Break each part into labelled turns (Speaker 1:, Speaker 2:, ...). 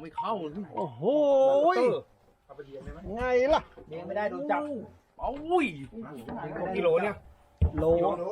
Speaker 1: ไม่เข้า
Speaker 2: โอ้โหไงล่ะ
Speaker 3: เลี้ยงไม่ได้โดนจับ
Speaker 1: โอ้ย
Speaker 3: กิโลเนี่ย
Speaker 2: โล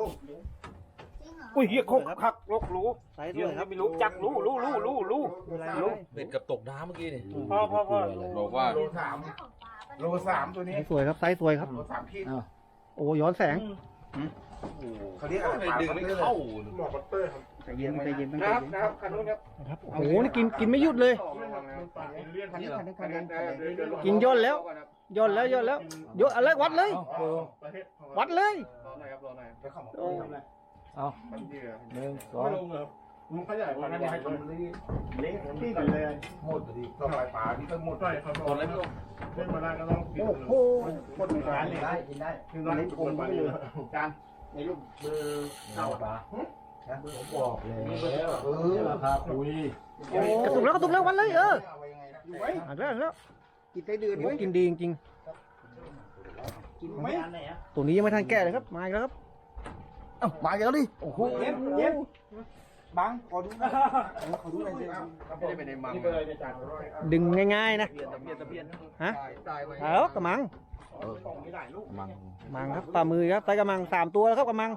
Speaker 3: อุ้ยเฮียคกคักลกรู้
Speaker 2: ไซส์
Speaker 3: เฮี
Speaker 2: ด้วย ยครับ
Speaker 3: ไม่รู้จักรู้
Speaker 1: เบ็ดกับตกน้ำเมื่อกี้นี่
Speaker 3: พ่อ
Speaker 1: บอกว่า
Speaker 4: โลสามตัวนี้
Speaker 2: สวยครับไซส์สวยครับ
Speaker 4: โล3 ขีด
Speaker 2: โอ้ย้อนแสง
Speaker 4: เขาเรียกอะไร
Speaker 1: ดึงไม่เข้า
Speaker 4: หมอบัตเตอร์ครับ
Speaker 2: ใจเย็นใจเย็น
Speaker 3: นะครับคันนู้นครับ
Speaker 2: ครับโอ้โหนี่กินไม่หยุดเลย
Speaker 4: คันนี้
Speaker 2: กินย่นแล้วย่นแล้วย่นอะไรวัดเลย วัดเลย
Speaker 4: เอา1 2มึงขยายพันธุ์ให้ตรงนี้เล็กที่กันเลยหมดดิต่อไปป่านี่ก็หมดได้ครับหมดแล้วไม่ต้องมาได้ก็ต้องโอ้โหคนในร้านนี่ได้กินได้คือตอนนี้คงไม่เลยจานในรูปเบอร์เข้าป่าผมบอกเลยราคาคุย
Speaker 2: กระตุกแล้ววัดเลยอ่ะแล้วกินได้เดือนกินดีจริง
Speaker 4: กินไหม
Speaker 2: ๆตัวนี้ยังไม่ทันแก่เลยครับมาอีกแล้วครับเอ้ามาอีกแล้วดิโอ้โห
Speaker 3: เย็บ
Speaker 4: บังขอดูขอดูหน่อยสิไม่ได้ไปในมังนี่เป็นอะไรในจาน
Speaker 2: ดึงง่ายๆนะ
Speaker 3: ตะเพียน
Speaker 2: ฮะ
Speaker 4: ตายไป
Speaker 2: แล้วกระมังมังครับปลามือครับไซส์กระมัง3 ตัวแล้วครับกระมัง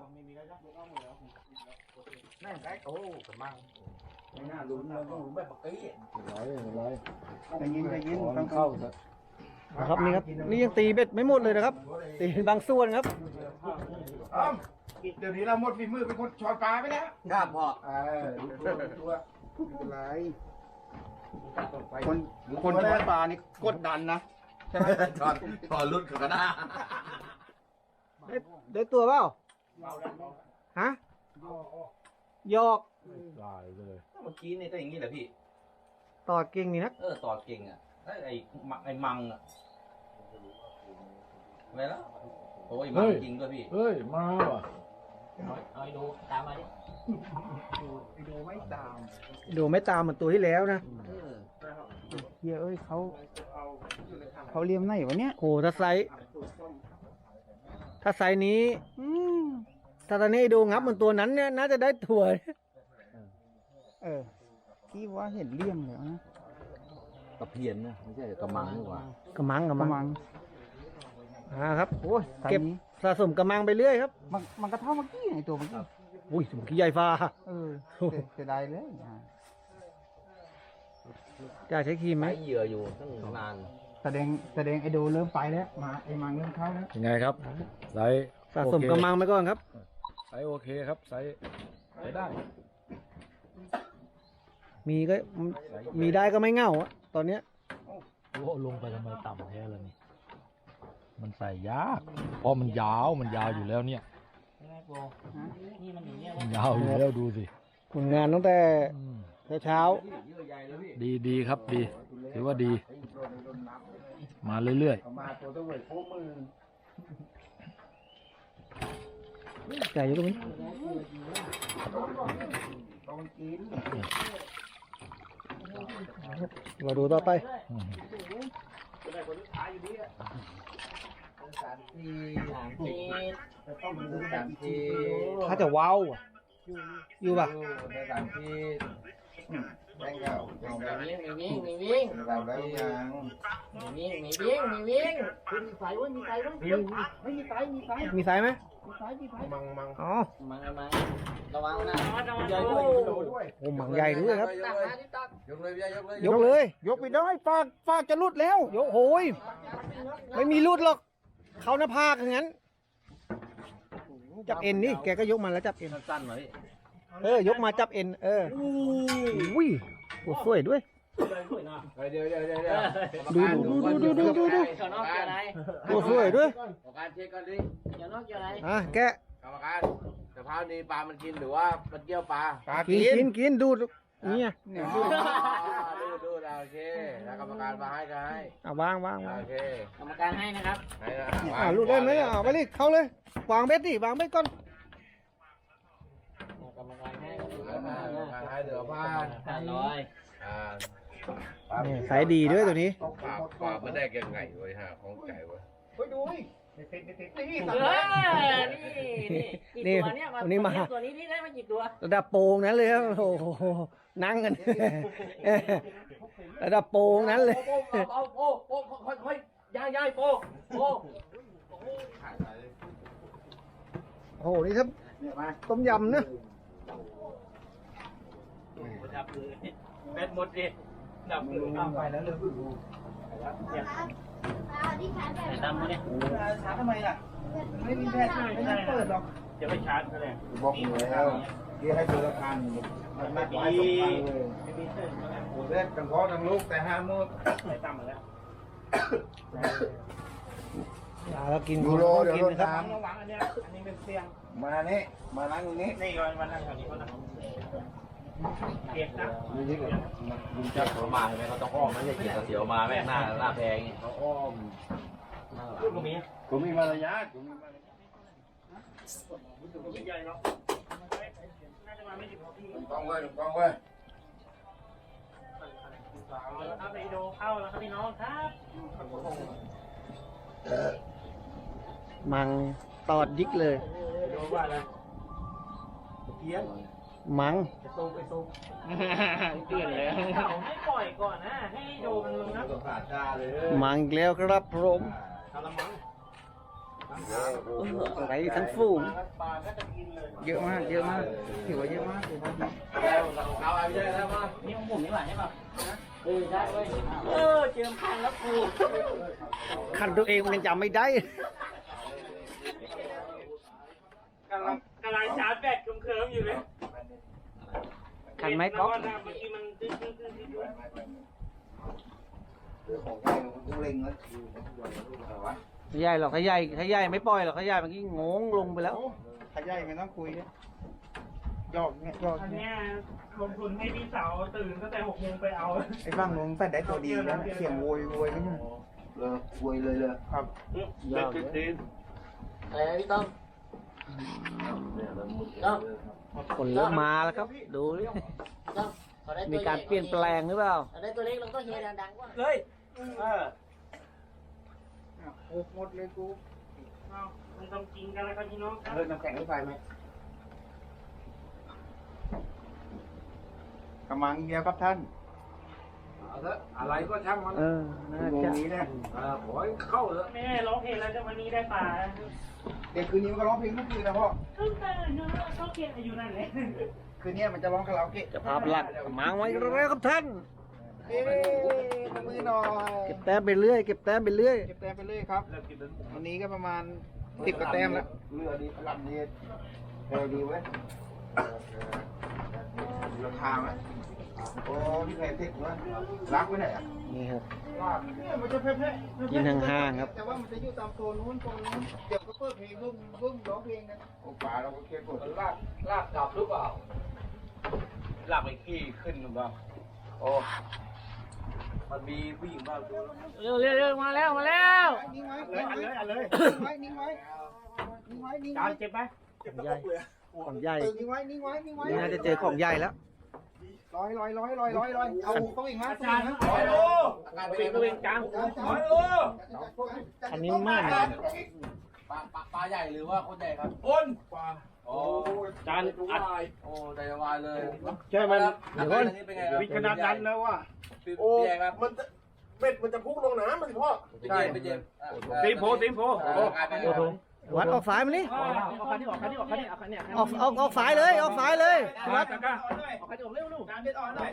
Speaker 4: แม่งได้โอ้กระมังไม่น่าลุ้นเราต้องลุ้นแบบปกติใจเย็นต้องเข้า
Speaker 2: นะครับนี่ครับนี่ยังตีเบ็ดไม่หมดเลยนะครับ ตีบางส่วนครับ
Speaker 4: เดี๋ยวนี้เราหมดฝีมือเป็นคนช้อนปลาไปแล้ว
Speaker 3: ครับพ่อ
Speaker 4: ตัวอะไรคนช้อนปลานี่กดดันนะใช่ไหม
Speaker 1: ตอนรุ่นกันนะ
Speaker 2: ได้ตัวเปล่าฮะหยอก
Speaker 1: เมื่อกี้นี่ก็อย่างนี้แหละพี่
Speaker 2: ตอดเก่งนี่นะ
Speaker 1: ตอดเก่งอ่ะไอ้มังอ่ะอะไรแล้วโอ้ยมังจริงด้วยพี่
Speaker 5: เฮ้ย มาว่ะ
Speaker 3: เอาดูตามมาดิ
Speaker 4: ดูไม่ตาม
Speaker 2: ดูไม่ตามเหมือนตัวที่แล้วนะเฮียเอ้ยเขาเลี้ยมไหนวะเนี่ยโอ้ถ้าไซส์นี้ถ้าตอนนี้ดูงับเหมือนตัวนั้นเนี่ยน่าจะได้ถั่ว
Speaker 4: ที่ว่าเห็นเลี่ยมแล้วนะ
Speaker 1: ตะเพียนนะไม่ใช่กระมังนี่หว่าก
Speaker 2: ระมังครับ
Speaker 4: โอ้ย
Speaker 2: เก็บสะสมกระมังไปเรื่อยครับ
Speaker 4: มันก็เท่าเมื่อกี้ไงตัวเมื่อกี้
Speaker 2: อุ้ยสมกี้ใหญ่ฟ้า
Speaker 4: เสียดายเลย
Speaker 2: จะใช้ครีมไหม
Speaker 1: ใช้เหยื่ออยู่ตั้งนาน
Speaker 4: แสดงไอโดเริ่มไปแล้วมาไอมังเริ่มเข้าแล้ว
Speaker 5: ยังไงครับไซส์
Speaker 2: สะสมกระมังไปก่อนครับ
Speaker 5: ไซส์โอเคครับไซส์ใช้ได้
Speaker 2: มีก็มีได้ก็ไม่เหงาอะตอนเนี้ย
Speaker 5: โอ้ลงไปทำไมต่ำแท้เลยนี่มันใส่ยากเพราะมันยาวอยู่แล้วเนี่ยมันยาวอยู่แล้วดูสิ
Speaker 2: ผลงานตั้งแต่เช้า
Speaker 5: ดีครับดีถือว่าดี มาเรื่อย
Speaker 4: มาตัวตัวเวยโค้มือ
Speaker 2: ๆใหญ่อยู่ตรงนี้
Speaker 4: ต้องกิน
Speaker 2: มาดูต่อไป ถ้าจะว้าวอะอยู่ป่ะ
Speaker 4: ในสามที่แบงเก่า
Speaker 3: มีวิ่ง
Speaker 4: เราได้ยัง
Speaker 3: มีวิ่งมีไฟมีไฟ
Speaker 2: มีไซส์ไหม
Speaker 4: มัง
Speaker 2: อ๋อ
Speaker 3: มาระวังนะ
Speaker 4: ใหญ่ด้วย
Speaker 2: โอ้หมังใหญ่ด้วยครับ
Speaker 1: ยกเลยพี่ยกเลย
Speaker 2: ยกเลย
Speaker 4: ยกไปได้ฟากจะรุดแล้ว
Speaker 2: ยกโหยไม่มีรุดหรอก เขาหน้าผากอย่างนั้น จับเอ็นนี่แกก็ยกมาแล้วจับเอ็น
Speaker 1: สั้นๆหน่อยพี่
Speaker 2: ยกมาจับเอ็นอุ้ยโอ้สวยด้วย
Speaker 1: เดี๋ยว
Speaker 2: ดู
Speaker 3: เขานอกเกี่ยวอะไร
Speaker 2: โอ้สวยด้วย
Speaker 1: กรรมการเช็คก่อนดิ
Speaker 3: เกี่ยวนอกเกี่ยวอะไร
Speaker 2: แกะ
Speaker 1: กรรมการกะเพรานี้ปลามันกินหรือว่ามันเกี่ยวปลา
Speaker 2: กินดูนี่ไง
Speaker 1: ดูโอเคถ้ากรรมการมาให้ก็ให้
Speaker 2: วาง
Speaker 1: โอเค
Speaker 3: กรรมการให้นะครับ
Speaker 1: ให้นะ
Speaker 2: ลูกได้ไหมไปเลยเข้าเลยวางเบ็ดดิวางเบ็ดก่อน
Speaker 3: กรรมการให้
Speaker 1: การให้เหลือผ้า
Speaker 3: 500
Speaker 2: สายดีด้วยตัวนี้
Speaker 1: ปลาไม่ได้ยังไงเว้ยฮะของไก่เว้ย
Speaker 4: เฮ้ยดูนี่นี่
Speaker 3: นี่ตัวเนี่ยตัวนี้ที่ได้มากี่ตัว
Speaker 2: ระดับโปรงนั้นเลยครับโอ้โหนั่งกันระดับโปงนั้นเลย
Speaker 1: โป้ค่อยย่ายโป้โป้
Speaker 2: โอ้โห นี่ถ้าต้มยำนะ
Speaker 3: ดับเลยแบตหมดดิดับเลยไปแล้วเลยดำมาเนี่ยชาร์จทำไมล่ะไม่มีแบตไม่ได้เปิดหรอกจะไปชาร์จก็ได้
Speaker 4: บอกอยู่แล้วที่ให้ดูราคามันไม่ไหวสองพันเลย
Speaker 3: ไม่มีเส้น
Speaker 4: โอ้เล็กทั้งพ่อทั้งลูกแต่ห้ามือ
Speaker 3: ไม่ต่ำมาแล้ว
Speaker 2: เรากิน
Speaker 4: ยูโรเดี๋ยวรถ
Speaker 2: ครับ
Speaker 4: น้
Speaker 3: ระวังอันเนี้ยอันนี้เป็นเตียง
Speaker 4: ำมานี่มานั่งตรงนี้
Speaker 3: นี่ก่อนมานั่งแถวนี้ก็นั่งเก็บนะ
Speaker 4: นี่เลย
Speaker 1: ลุงจักเขามาใช่ไหมเขาต้องอ้อมไม่ใช่เกียร์เสียวมาแม่งหน้าแพง
Speaker 4: เขาอ้อม
Speaker 3: ลูกตรงนี้
Speaker 4: กูมีมารยาทกูมีมารยาท
Speaker 3: ใหญ่เนาะน่าจะมาไม่ถึงพี่
Speaker 4: กล้องเว้ยกล้องเว้ย
Speaker 3: ครับไปดูเข้าแล้วครับพี่น้องครับ
Speaker 2: มังตอดยิกเลย
Speaker 3: ดูว่าอะไรเพี้ยน
Speaker 2: มัง
Speaker 3: เปลี่ยนแล้วให้ปล่อยก่อนนะให้โดมันลงนะ
Speaker 1: ต้องขาดจ้าเลย
Speaker 2: มังอีกแล้วครับผม
Speaker 3: เอาละมั้ง
Speaker 2: ไรทั้งฝูง
Speaker 3: ปลาก็จะกินเลย
Speaker 2: เยอะมาก เยอะมากถือว่าเยอะมาก
Speaker 1: แล้วเอาไปได้แล้วมา
Speaker 3: นี่ของผมนี่หว่าใช่ป่ะได้เว้ยเจิมพันแล้วกู
Speaker 2: คันตัวเองมันยังจำไม่ได้
Speaker 3: กำลังชาร์จแบตเคิมๆอยู่เลย
Speaker 2: คันไม้ก๊อก
Speaker 3: เมื่อกี้มันตื้อ
Speaker 4: ของใหญ่กูเล็งแล้วอะไรวะ
Speaker 2: ไม่ใหญ่หรอกถ้าใหญ่ไม่ปล่อยหรอกถ้าใหญ่เมื่อกี้งงลงไปแล้ว
Speaker 4: ถ้าใหญ่ไม่ต้องคุยยอกเนี่ยยอก
Speaker 3: อัน
Speaker 4: เนี่ย
Speaker 3: เนี้ยลงทุนให้พี่สาวตื่นตั้งแต่6 โมงไปเอา
Speaker 4: ไอ้บ้างลงแต่ได้ตัวดีแล้วเสียงโวยก็เนี่ยเลยโวยเลยครับ
Speaker 2: ยอดเลย
Speaker 3: อะไรนะพี่ต้อมต้อม
Speaker 2: คนเริ่มมาแล้วครับ ดูดิ
Speaker 3: ต้อม
Speaker 2: มีการเปลี่ยนแปลงหรือเปล่า
Speaker 3: ได้ตัวเล็กเราก็เฮดังๆกว่าเฮ้ย
Speaker 4: หมดเลยกู
Speaker 3: มันต้องกินกันแล้วครับพี่น้องครับ
Speaker 4: เลิกน้ำแข็งรถไฟไหมกำลังเดียวครับท่าน
Speaker 1: อะไรก็ช่างมัน
Speaker 2: เออ น่า
Speaker 4: ตรง
Speaker 2: จะ
Speaker 4: นี้เนี่ย
Speaker 1: ขอให้เข้าเถอะ
Speaker 3: แม่ร้องเพลงแล้วจะวันนี้ได้ป่า
Speaker 4: เด็กคืนนี้มันก็ร้องเพลงทุกคืนนะพ่อ
Speaker 3: ขึ้นไปเนาะชอบเพลงอายุนั่นเลย
Speaker 4: คืนนี้มันจะร้องคาราโอเกะ
Speaker 2: จะภาพหลักมังไว้แล้วครับท่าน
Speaker 4: เอ๊ะมือหน่อย
Speaker 2: เก็บแต้มไปเรื่อย เก็บแต้มไปเรื่อย
Speaker 4: เก็บแต้มไปเรื่อยครับวันนี้ก็ประมาณ10 กว่าแต้มแล้วเรือดีลำนี้เร็วดีเว้ยราคาไหมโอ้พี่แพรติดวะรักไว้ไหนอ่ะ
Speaker 2: นี่ครับ
Speaker 4: เนี่ยมันจะเพ่ๆ
Speaker 2: กินห่างๆครับ
Speaker 4: แต่ว่ามันจะอยู่ตามโซนนู้นเดี๋ยวก็เปิดเพลงบึ้มร้องเพลงกันโอ้ป่าเราก็เก็บหมด
Speaker 1: ลากกลับหรือเปล่าลากไปขี้ขึ้นหรือเปล่าโอ้มันมีผู้หญิงบ้างดู
Speaker 2: เร็วมาแล้ว
Speaker 4: นิ่งไว้นิ่งไว้นิ่งไว้
Speaker 3: จานเจ็บไหม
Speaker 2: ของใหญ่
Speaker 4: นิ่งไว้
Speaker 2: นี่น่าจะเจอของใหญ่แล้ว
Speaker 4: ลอยเอาต้องอีกฮะ
Speaker 3: จานนะโอ้โหเป็นตัวเองจาน
Speaker 2: คันนี้มาก
Speaker 1: ปลาใหญ่หรือว่าคนใหญ่ครับ
Speaker 3: คนกว่า
Speaker 1: โอ้
Speaker 3: จานอัด
Speaker 1: โอ้ใจวายเลย
Speaker 2: ใช่มัน
Speaker 1: เดี๋ยวก่อนนี่เป็นไงครับ
Speaker 4: วิขนาดนั้นแล้วว่ะ
Speaker 1: พี่ใหญ่ครับ
Speaker 4: มันจะพุ่งลงน้ำมันสิพ่อ
Speaker 1: พี่เจมส์พี่เจมส์
Speaker 3: ตีมโพ
Speaker 1: โอ้โห
Speaker 2: วัดออกสายมันนี่
Speaker 3: เอาคันนี้ออกคันนี้ออกคันนี้เอาคันนี้
Speaker 2: ออกสายเลยออกสายเลย
Speaker 3: วัดกันเอาคันนี้ออกเร็วลูก
Speaker 4: การเด็ดอ่อนหน่อย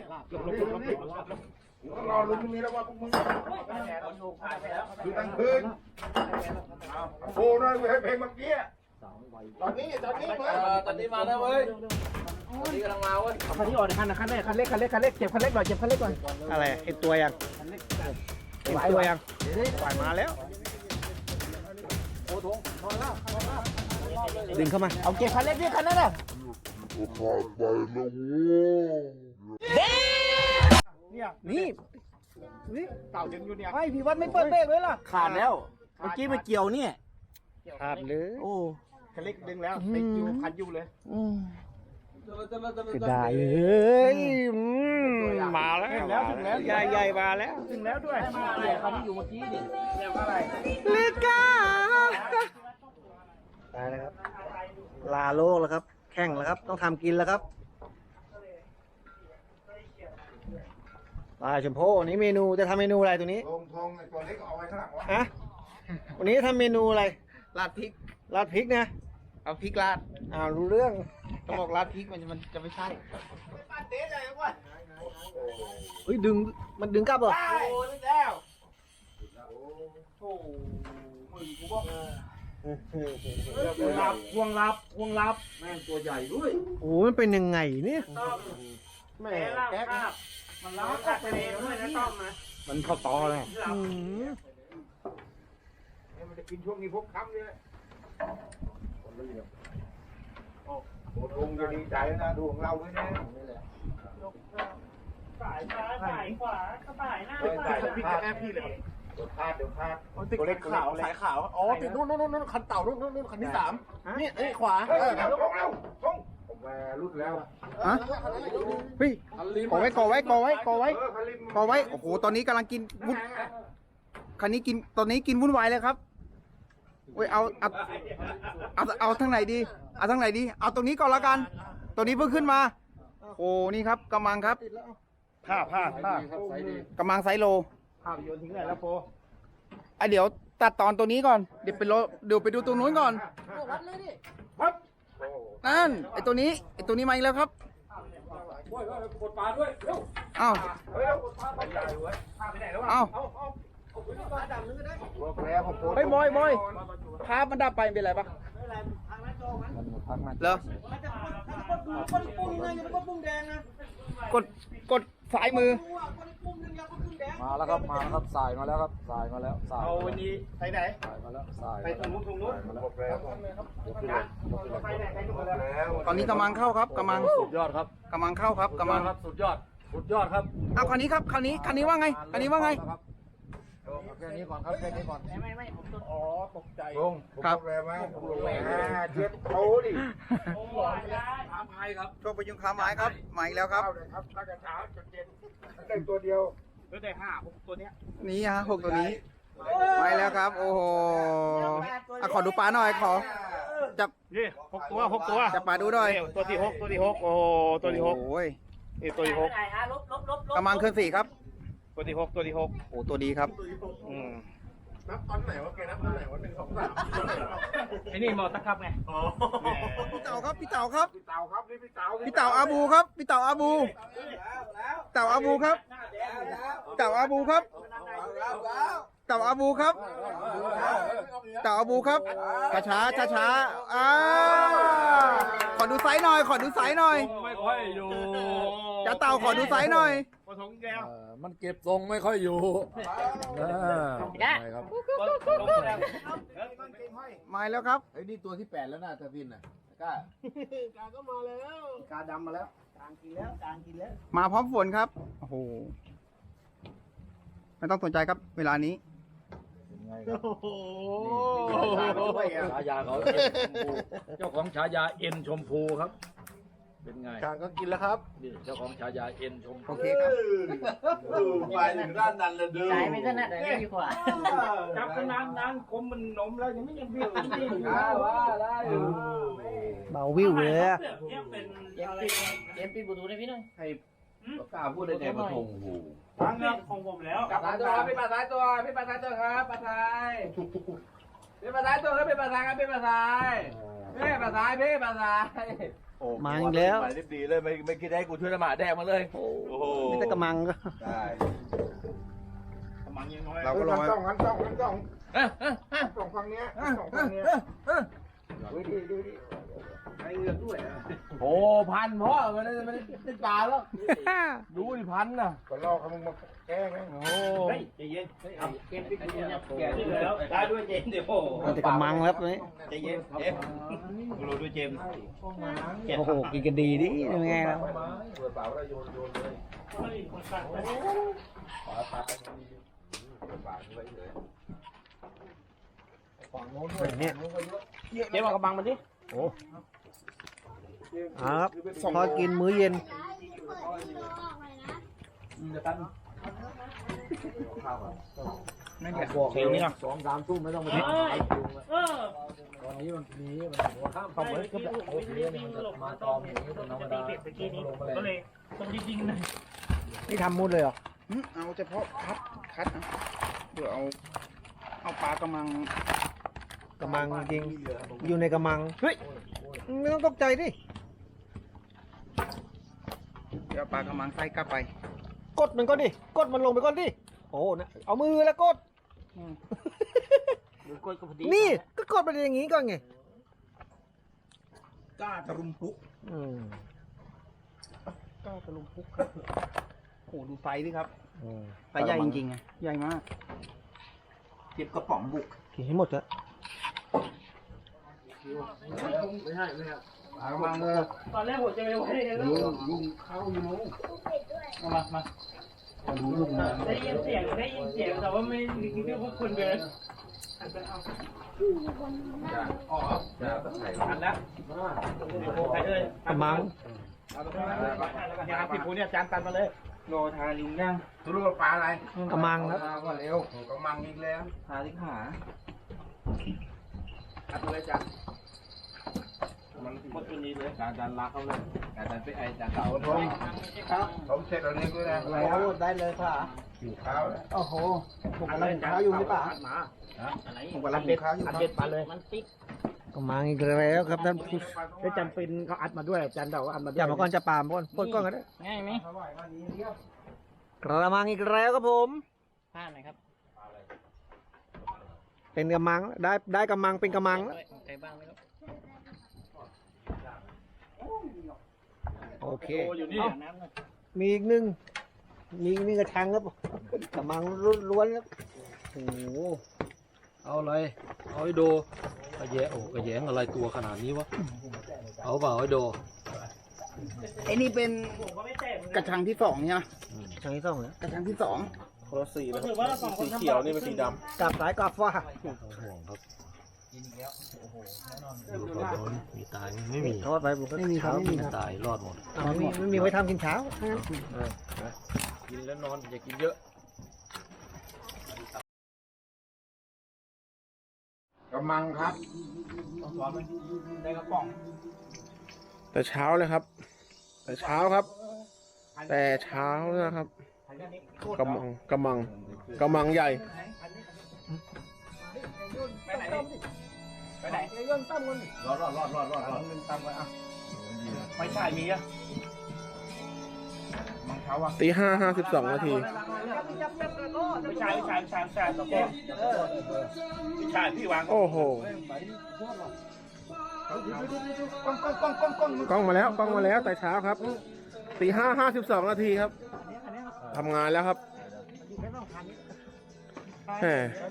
Speaker 4: รอลุ้นตรงนี้แล้วว่าพวกมึงดูตั้งคืนโอ้ยให้เพลงเมื่อกี้ตอนนี้มา
Speaker 1: ตอนนี้มาแล้วเว้ยตอนนี้กำลังมาเว้ย
Speaker 3: เอาคันนี้ออกในคันเล็กเจ็บคันเล็กหน่อยเจ็บคันเล็กก่อน
Speaker 2: อะไรเห็นตัวยังเห็นตัวยังปล่อยมาแล้วดึงเข้ามา
Speaker 3: เอาเก็บคันเล็กดิคันนั้นน่ะ
Speaker 2: นี่
Speaker 4: เต่าดึงอยู่เนี่ย
Speaker 2: ไอพี่วัดไม่เปิดเบรกเลยล่ะ
Speaker 3: ขาดแล้ว เมื่อกี้มันเกี่ยวเนี่ย
Speaker 2: ขาดเลย
Speaker 3: โอ้
Speaker 4: คันเล็กดึงแล้วติดอยู่คันอยู่เลย
Speaker 2: จะได้เฮ้ยมาแล้ว
Speaker 4: ถึงแล้ว
Speaker 2: ใหญ่มาแล้ว
Speaker 4: ถึงแล้วด้วย
Speaker 3: คันที่อยู่เมื่อกี้ดิ
Speaker 4: เรียกว่าอะไร
Speaker 2: เลก้าได้แล้วครับ ลาโลกแล้วครับ แข่งแล้วครับ ต้องทำกินแล้วครับปลาชมพู่วันนี้เมนูจะทำเมนูอะไรตัวนี้
Speaker 4: ลงทงไอ้ตัวเล็กเอาไว้ข้างหลังวะ
Speaker 2: ฮะวันนี้ทำเมนูอะไร
Speaker 3: ราดพริก
Speaker 2: ราดพริกนะ
Speaker 3: เอาพริกราด
Speaker 2: รู้เรื่อง
Speaker 3: เขาบอกราดพริกมันจะไม่ใช่
Speaker 2: เฮ้ยดึงมันดึงกลับเหรอ
Speaker 3: โอ้ยแล้วโอ้มึงกูบอกห่วงรับแม่งตัวใหญ่ด้วย
Speaker 2: โอ้มันเป็นยังไงเนี่ย
Speaker 3: แม่แก๊กมันล้อกัดทะเลด้วยนะต้อมนะมันเข้าตอเลย
Speaker 2: อืม
Speaker 4: มันจะกินช่วงนี้พบค่ำเนี่ยโอ้ทงจะดีใจนะดูของเราด้วยนะ
Speaker 3: สายซ้ายสายขวาสายหน้า
Speaker 4: ใส่พี่แอบพี่เลยเดี๋ยวพลาดตัวเล็กขาวสายขาวอ๋อติดนู่นคันเต่านู่นคันที่3นี่ขวาทงแล้วทงผมมารุ่นแล้ว
Speaker 2: ฮะเฮ้ยก่อไว้โอ้โหตอนนี้กำลังกินวุ่นคันนี้กินตอนนี้กินวุ่นวายเลยครับเว้ยเอาทางไหนดีเอาทางไหนดีเอาตรงนี้ก่อนละกันตัวนี้เพิ่งขึ้นมาโอ้นี่ครับกำมังครับผ้ากำมังไซโล
Speaker 3: ภาพยนตร์ทิ้งไหนแล้วโป
Speaker 2: เดี๋ยวตัดตอนตัวนี้ก่อนเดี๋ยวไปดูตรงนู้นก่อนนั่นไอตัวนี้มาอีกแล้วครับอ้าวเฮ้ยบอยภาพมันดับไปเป็นไรปะเหรอกดสายมือ
Speaker 5: มาแล้วครับสายมาแล้วครับสายมาแล้วสาย
Speaker 3: เอาวันนี้ไปไหน
Speaker 5: สายมาแล้วสาย
Speaker 3: ไปตรงนู้นไปไหนไปตรงนู้นแล้ว
Speaker 2: ตอนนี้กำลังเข้าครับกำลัง
Speaker 5: สุดยอดครับ
Speaker 2: กำลังเข้าครับกำลัง
Speaker 5: ครับสุดยอดครับ
Speaker 2: เอาคันนี้ครับคันนี้ว่าไงคันนี้ว่าไง
Speaker 5: แค่นี้ก่อนครับแค่นี้ก่อน
Speaker 3: ไม่ผมต้นอ๋อตกใจ
Speaker 4: ลงครับแรงมากลงแรงเจ็บโตดิ
Speaker 3: โอ้ยถามใครครับ
Speaker 2: โชคประยุงคาไม้ครับมาอีกแล้วครับ
Speaker 4: ครับตั้งแต่เช้าจนเย็นได้ตัวเดียว
Speaker 3: ก็ได้5 6ตัวเนี้ย
Speaker 2: นี่ฮะ6ตัวนี้มาอีกแล้วครับ โอ้โหขอดูปลาหน่อยขอจับ
Speaker 3: นี่6 ตัว
Speaker 2: จับปลาดูหน่อย
Speaker 3: ตัวที่6โอ้ตัวที่6
Speaker 2: โอ้ย
Speaker 3: นี่ตัวที่6
Speaker 2: กำลังเคลื่อนสี่ครับ
Speaker 3: ตัวที่6
Speaker 2: โอ้ตัวดีครับ
Speaker 4: นับตอนไหนวะแกนับตอนไหนวะ1 2 3
Speaker 3: ไอ้นี่หมอตะครับไง
Speaker 4: อ๋อ
Speaker 2: พี่เต่าครับพี่เต่าครับ
Speaker 4: พี่เต่าครับนี่พี่เต่า
Speaker 2: พี่เต่าอาบูครับพี่เต่าอาบูเต่าอาบูครับเต่าอาบูครับเต่าอาบูครับเต่าอาบูครับช้าขอดูไซส์หน่อยขอดูไซส์หน่อย
Speaker 5: ไม่ค่อยอยู่
Speaker 2: จะเต่าขอดูไซส์หน่อย
Speaker 3: ปฐมแก้ว
Speaker 5: มันเก็บทรงไม่ค่อยอยู่ครับ
Speaker 2: มาแล้วครับ
Speaker 5: ไอ้นี่ตัวที่8แล้วนะตะพินน่ะกล้า
Speaker 3: กาดำมาแล้วกลางกินแล้ว
Speaker 2: มาพร้อมฝนครับโอ้โหไม่ต้องสนใจครับเวลานี้
Speaker 5: ฉายาเขาเจ้าของฉายาเอ็นชมพูครับ เป็นไง
Speaker 4: การก็กินแล้วครับ
Speaker 5: นี่เจ้าของฉายาเอ็นชมพู
Speaker 2: โอเคครับ
Speaker 4: ไปถึงด้านนั้นเลยเด้อ
Speaker 6: ใจไม่ถนัดอะไรดีกว่า
Speaker 3: จับขนาดนั้นคมมันนมแล้วยังไม่ยังพี่
Speaker 4: ว่าได้
Speaker 2: เบาวิวเลยอะ
Speaker 6: เอ็มปีบูทูได้พี่หน่อย
Speaker 1: กล้าพูดได้ไงปะทงหู
Speaker 3: ทางเรื่องของผมแล้ว
Speaker 1: ปลาซ้ายตัวพี่ปลาซ้ายตัวครับปลาซ้ายพี่ปลาซ้ายตัวครับพี่ปลาซ้ายครับพี่ปลาซ้ายพี่ปลาซ้ายพี่ปลาซ้าย
Speaker 2: มาอีกแล้ว
Speaker 1: ไปรีบดีเลยไม่คิดให้กูช่วยละหมาแดงมาเลยโอ้โห
Speaker 2: นี่แต่กำมังก็
Speaker 1: ได้
Speaker 3: มังยังน้อย
Speaker 2: เราก็รอ
Speaker 4: สองฝั่งเนี้ยสองฝั่งเนี้ย
Speaker 1: โอ้พันเพราะมันไม่ได้ปลาแล้วดูดิพันน่ะ
Speaker 4: ก็รอเขามึงมาแก้ไหม
Speaker 1: โอ้
Speaker 3: เฮ้ยใจเย็นเกมพี่บูทูเนี่ยแก่ที่แล้วได้ด้วยเจมเดี๋ยวโอ้
Speaker 2: มันแต่กำมังแล้วตัวนี้
Speaker 3: ใจเย็นเจมกูรู้ด้วยเจม
Speaker 2: โอ้โหกินกันดีดิยังไงแล้ว
Speaker 4: เปิดเปล่าแล้วโยนเลยฝั่งโน้นด้วย
Speaker 2: เนี่ย
Speaker 3: เจมเอากระบังมันดิ
Speaker 2: ครับพอกินมื้อเย็น
Speaker 5: บอกเอง2-3 ทุ่มไม่ต้องมาทิ้งตอนนี้มันหัวข้ามเข้าเหมือนกับโอเคเนี่ยมันจะมาตอมอย่างนี้เป็นธรรมดาลงมาเลย
Speaker 3: ก็เลยต้องยิงๆหน่อย
Speaker 2: นี่ทำมุดเลยเหรอเอาเฉพาะคัดนะเดี๋ยวเอาปลากระมัง
Speaker 5: กระมังจริงอยู่ในกระมังเฮ้ยไม่ต้องตกใจดิ
Speaker 2: เดี๋ยวเอาปลากระมังใส่กลับไป
Speaker 5: กดมันก่อนดิกดมันลงไปก่อนดิโอ้นะเอามือแล้วกด
Speaker 6: หรือกล้วยก็พอดี
Speaker 5: นี่ก็กดไปอย่างงี้ก่อนไง
Speaker 2: กล้าตะลุมพุก
Speaker 5: อืม
Speaker 2: กล้าตะลุมพุกครับโอ้ดูไฟดิครับ
Speaker 5: อืม
Speaker 2: ไฟใหญ่จริงๆไงใหญ่มากเก็บกระป๋องบุก
Speaker 5: กินให้หมดเถอะ
Speaker 2: ปลากระมังเลย
Speaker 6: ตอนแรกผมจะไปไว้ในรถ
Speaker 2: ลุงเข้าอยู่นู้นมาดูลุงนะ
Speaker 6: ได้ยินเสียงแต่ว่าไม่คิดว่าคนเดิน
Speaker 1: อันแล้วไปเลย
Speaker 5: กระมัง
Speaker 1: ยาติดผูเนี่ยจานตันมาเลยโลทาลิงย่าง
Speaker 4: รู้ว่าปลาอะไร
Speaker 5: กระมังครับ
Speaker 4: ก็เร็วกำมังอีกแล้ว
Speaker 1: ทาลิงหา
Speaker 4: อัดเลยจ้ะมัน
Speaker 1: หมดตัวนี้เลยจานลากเขาเลยจานไปไอจานเก่า
Speaker 4: ผมเสร็จแล้วนี่ด้วยนะ
Speaker 2: ได้เลยค่ะ
Speaker 4: อยู่ข้าวแล้ว
Speaker 2: โอ้โหผมกำลังหุงข้าวอยู่หรือเปล่า
Speaker 6: อะไร
Speaker 2: ผมกำลังหุงข้าวอยู่ครับ
Speaker 6: มันติ๊ก
Speaker 5: กระมังอีกแล้วครับท่านผู้
Speaker 3: ได้จำเป็นเขาอัดมาด้วยอาจารย์เดาว่าอัดมาด้วย
Speaker 5: จับมาก่อนจะปามก่อนปลดก่อนก็ได้
Speaker 6: ง่ายไหม
Speaker 5: กระมังอีกแล้วครับผม
Speaker 6: ผ้าหน่อยครับ
Speaker 5: เป็นกระมังได้กระมังเป็นกระมังแล้ว
Speaker 6: ใครบ้างไหมครับ
Speaker 5: โอเค
Speaker 6: อยู่นี่น้ำหน่อย
Speaker 5: มีอีกหนึ่งกระชังครับกระมังล้วนๆครับโอ้โห
Speaker 7: เอาอะไร เอาไอ้โดกระแยะโอ้กระแยงอะไรตัวขนาดนี้วะ เอาเปล่าไอ้โด
Speaker 2: ไอ้นี่เป็นกระชังที่สองเนี่ย
Speaker 5: กระชังที่สองแล้ว
Speaker 2: กระชังที่สอง
Speaker 1: คนละสีเลย
Speaker 6: ถือว่าเราสองคน
Speaker 1: สีเขียวนี่เป็นสีด
Speaker 5: กลับสายกลับฟ้า
Speaker 7: ห่วงครับดูก่อนโดนมีตายไหมไม่มี
Speaker 5: ทอดไปผมก็ไม่มีครับไม่มีครับ
Speaker 7: ตายรอดหมด
Speaker 5: ไม่มีไว้ทำกินเช้า
Speaker 7: กินแล้วนอนอย่ากินเยอะ
Speaker 4: กำมังครับ
Speaker 1: ำได้กระป๋อง
Speaker 2: แต่เช้าเลยครับ แต่เช้าครับ แต่เช้านะครับกำมังใหญ่
Speaker 1: ไปไหนไปไหน
Speaker 4: รอด
Speaker 1: ตามไปอ่ะไม่ใช่มีอ่ะ
Speaker 4: มังเท้าอ่ะ
Speaker 2: ตี 5:52 นาที
Speaker 1: ไม่ใช่ตะโกนไม่ใช่พี่วาง
Speaker 2: โอ้โหกล้องมาแล้วแต่เช้าครับตี 5:52 นาทีครับทำงานแล้วครับแหม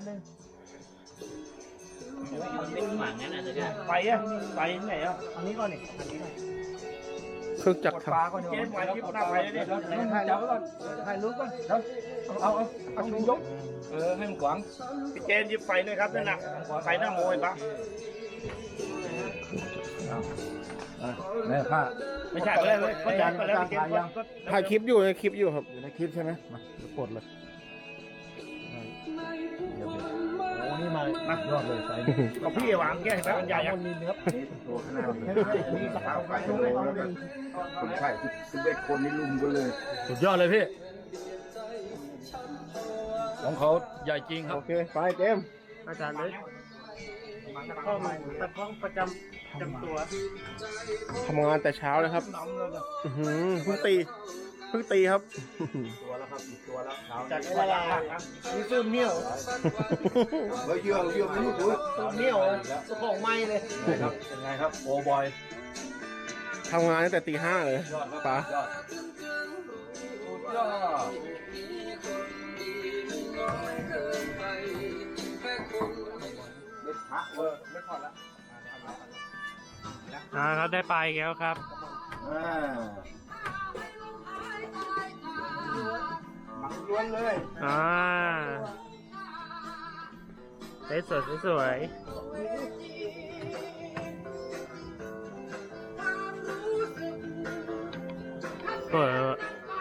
Speaker 6: เป็นหมันนั่นน่ะจะได้
Speaker 1: ไปอ่ะไปไหนอ่ะ
Speaker 3: อันนี้ก่อนนี่
Speaker 2: เครื่องจักรท
Speaker 1: เจ๊ไว้ที่หน้าไปเลยดิ
Speaker 3: ถ่ายรูปก่อนถ่ายรูปก่อนเดี๋ยวเอาชูยก
Speaker 1: ให้มันขวางพี่เจนหยิบไฟหน่อยครับนั่นน่ะไฟหน้าโมยปะ
Speaker 4: แม่ผ้า
Speaker 1: ไม่ใช่ไปเลยเขาจัดไปแล้วพี่เจนก็
Speaker 2: ำถ่ายคลิปอยู่ในคลิปอยู่ครับ
Speaker 4: อยู่ในคลิปใช่ไหมมาปลดเลยโอ้นี่มายอดเลยไฟ
Speaker 1: ก็พี่วางแก้ให้มันใหญ่อ่ะ
Speaker 4: ตัวขนาดนี้เท้าไฟคนไข้11 คนนี่ลุมกันเลย
Speaker 7: สุดยอดเลยพี่ ของเขาใหญ่จริงครับ
Speaker 2: โอเค ไปเจมส์
Speaker 1: อาจารย์เลยข้อมันตะข้องประจำตัว
Speaker 2: ทำงานแต่เช้าเลยครับอื้อหือเพิ่งตีครับ
Speaker 1: จัดเวลานี่ซื้อเมี่ยว
Speaker 4: เฮ้ยเยื่อไม่รู้ตัว
Speaker 1: ซื้อเมี่ยวของไม้เลย
Speaker 7: ครับเป็นไงครับ โอบอย
Speaker 2: ทำงานตั้งแต่ตี 5เลยป๋า
Speaker 6: ครับได้ไปแล้วครับ
Speaker 4: ล้วนเลย
Speaker 6: สวยเปิด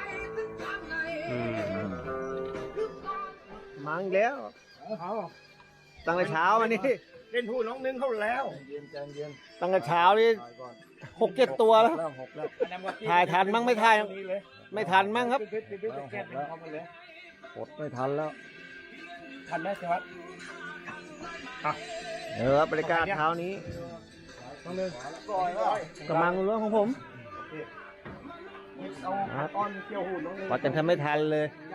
Speaker 5: มาอีกแล้วตั้งแต่เช้ามานี่
Speaker 1: เล่นผู้น้องนึงเขาแล้ว
Speaker 5: ตั้งแต่เช้านี่6-7 ตัวแล้วถ่ายทันมั้งไม่ถ่ายไม่ทันมั้งครับอดไม่ทันแล้ว
Speaker 3: ทันไหมเชวัต
Speaker 5: เดี๋ยวครับบรรยากาศเช้านี้กำลังเรื่องของผมวัดกันทำไม่ทันเลย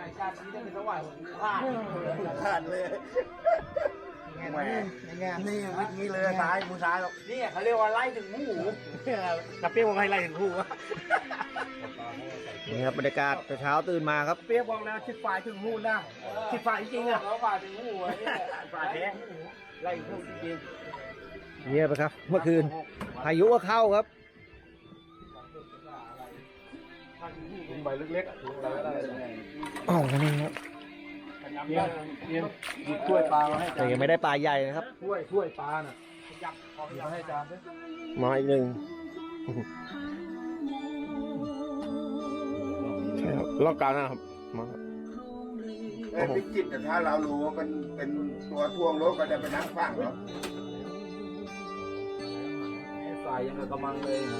Speaker 1: ขาดเลยแหมนี่นี่เลยซ้ายมือซ้ายหรอกนี่เขาเรียกว่าไล่ถึงหูกระเปี้ยบอกให้ไล่ถึงหู
Speaker 5: นี่ครับบรรยากาศเช้าตื่นมาครับ
Speaker 3: เปียกบอกแล้วชิดฝ่ายถึงหูนะชิดฝ่ายจริงๆอ่ะฝ่ายถึงหูฝ่ายแท้ไล่ถึงหูจริง
Speaker 5: เงียบไปครับ เมื่อคืนพายุก็เข้าครับ
Speaker 7: ใบเล็กๆถุงอะไรก็ได้
Speaker 5: อ๋อนี่ครับ
Speaker 7: เรียนหยิบถ้วยปลามาให้
Speaker 5: แต่ยังไม่ได้ปลาใหญ่นะครับ
Speaker 7: ถ้วยปลาน่ะหยิบมาให้อาจารย์ด้วย
Speaker 5: มาอีกหนึ่ง
Speaker 4: ใช่ครับรอบกลางนะครับมา
Speaker 1: ไอ้พิจิตรแต่ถ้าเรารู้ว่าเป็นตัวทวงรถก็จะไปนั่งฟังเหรอ
Speaker 7: สายยังกับกระมังเลยนะ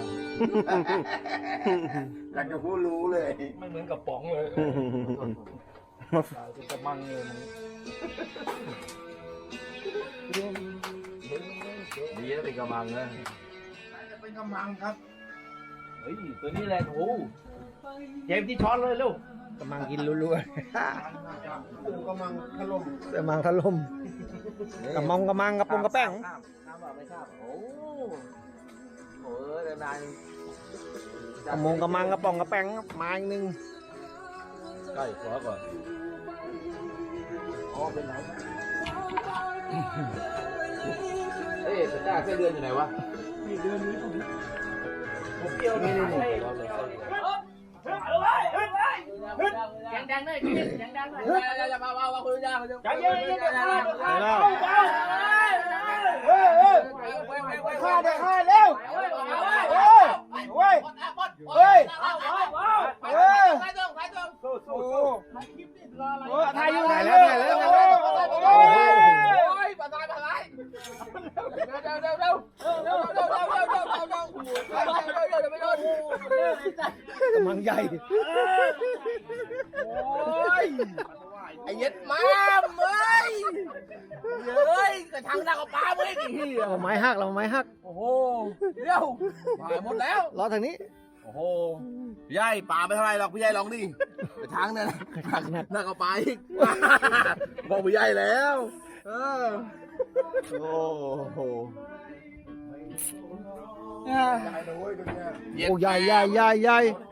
Speaker 1: เราจะพูดรู้เลย
Speaker 7: ไม่เหมือนกับป๋องเลยสายเป็นกระมังเลยดีนะเป็นกระมังนะ
Speaker 1: จะเป็นกำลังครับ
Speaker 7: เฮ้ยตัวนี้แหละโอ้
Speaker 3: เจมที่ช้อนเลยลูก
Speaker 5: กำลังกินรัว
Speaker 1: กูกำลังถล่ม
Speaker 5: ๆกำลังถล่มกำมังกระปงกระแป้ง
Speaker 7: น้ำแบบไม่ทราบโอ้โหเดินนาน
Speaker 5: กระมังกระปองกระแป้งครับมาอีกหนึ่ง
Speaker 7: ใกล้ขวาก่อนอ๋อเป็นไหนเอ๊ะแต่จ้าไส้เดือนอยู่ไหนวะ
Speaker 3: ผมเกี่ยวนี่ยังดังเลยยังดังเลยจะมาว่าคุณย่าเขาจะใจเย็นฆ่าได้ฆ่าเร็วเฮ้ยถ่ายอยู่ถ่ายแล้ว
Speaker 5: กำลังใหญ่
Speaker 3: ไอ้ยัดม้ามเอ้ยเฮ้ยกระชังดังกับปลาเว้ยดิ
Speaker 5: เราไม้หักเราไม้หัก
Speaker 3: โอ้โหเดี๋ยวหายหมดแล้ว
Speaker 5: รอทางนี้
Speaker 3: โอ้โหพี่ใหญ่ปลาไม่เท่าไรหรอกพี่ใหญ่ลองดิกระชังเนี่ยนักกับปลาอีกบอกพี่ใหญ่แล้ว
Speaker 5: โอ้โหโอ้ใหญ่ใหญ่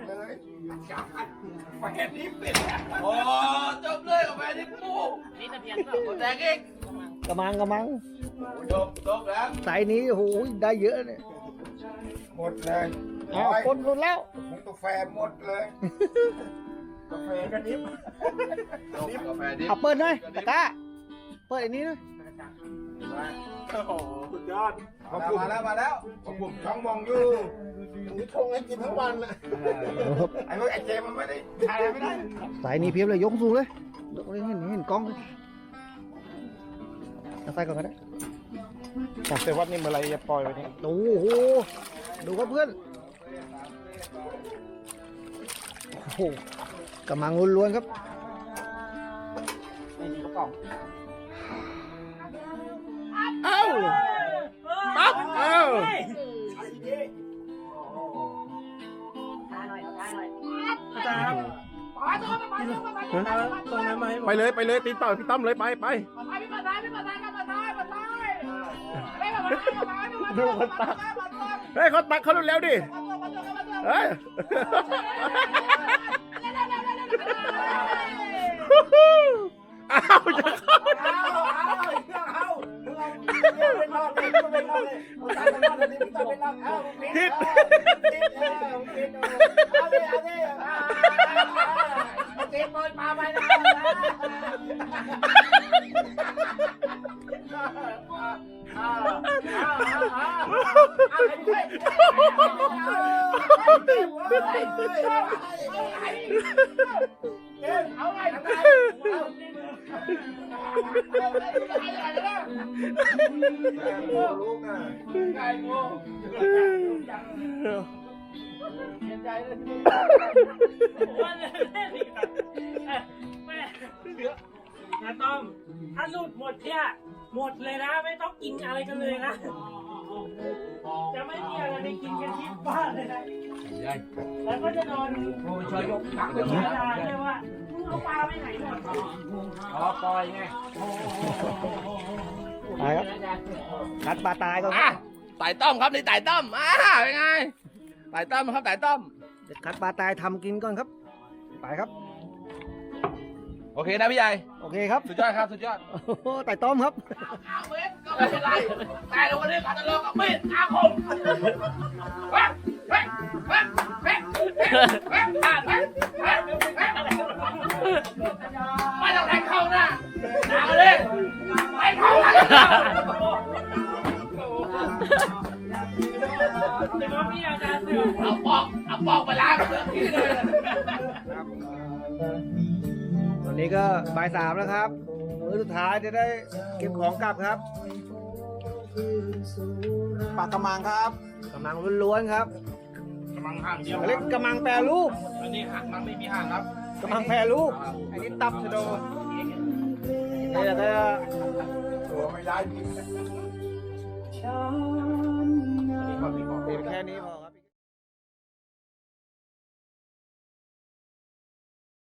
Speaker 3: โอ้จบเลยกับแฟนที่ปูนี่ตะเพียนหมดแดงอีก
Speaker 5: กระมัง
Speaker 3: จบแล้ว
Speaker 5: สายนี้โอ้โหได้เยอะเนี่ย
Speaker 1: หมดเลย
Speaker 5: อ๋อคนรุนแล้ว
Speaker 1: ผมกาแฟหมดเลยกาแฟกันนิบกาแฟดิบ
Speaker 5: เอาเปิดหน่อยตะกร้าเปิดอันนี้หน่อย
Speaker 1: โอ้โหสุดยอดมาแล้วผมช่องมองอยู่นี่ชงให้กินทั้งวันเลยไอ้พวกไอ้เจมันไม่ได้ถ่ายไม่ได้
Speaker 5: สายนี้เพียบเลยยกสูงเลยเห็นกล้องเลยเอาใส่ก่อนก็ได้
Speaker 4: ของเซวัตนี่เมื่อไรจะปล่อยไว้นี่
Speaker 5: โอ้โหดูครับเพื่อนโอ้โหกำลังล้วนๆครับเอ้าปั๊บเอ้า
Speaker 4: ไปเลยตีนเต่าพี่ตั้มเลยไปดูคนตักเฮ้ยเขาตักเขาเร็วดิเฮ้ยอ้าวจะเข้าทิศ
Speaker 6: วันเลยแม่นะต้อมถ้าหลุดหมดเนี่ยหมดเลยนะไม่ต้องกินอะไรกันเลยนะจะไม่มีอะไรไปกินกันที่บ้านเลยนะแล้วก็จะนอนช่วยยกตักไปกินได้เลยว่ามึงเอาปลาไปไหนหมดปล่อยไง
Speaker 2: ตายครับคัดปลาตายก่อน
Speaker 3: อ่ะไต่ต้อมครับนี่ไต่ต้อมเป็นไงไต่ต้อมครับไต่ต้อม
Speaker 2: เดี๋ยวคัดปลาตายทำกินก่อนครับไปครับ
Speaker 3: โอเคนะพี่ใหญ่
Speaker 2: โอเคครับ
Speaker 3: สุดยอดครับสุดยอด
Speaker 2: โอ้โหไต่ต้อมครับ
Speaker 3: 5 เมตรก็ไม่เป็นไรแต่วันนี้ขอจะลองกับมีดอาคมไม่ต้องแทงเข้าหน้าเอาเลยไม่เข้าหน้า
Speaker 6: แต่ว่ามีอาการเสื่อม
Speaker 3: เอาปอกไปล้างที่เลย
Speaker 2: ตอนนี้ก็บ่าย 3แล้วครับมื้อสุดท้ายจะได้เก็บของกลับครับปลากระมังครับกระมังล้วนๆครับ
Speaker 4: กำลังห่างเดียว
Speaker 2: เขาเรียกกระมังแปรรูป
Speaker 4: อันนี้ห่างมันไม่มีห่างครับ
Speaker 2: กระมังแปรรูปอันนี้ตับชะโดนี่แล้วก็
Speaker 1: ตัวไม่ได้
Speaker 2: เป็นแค่นี้พอ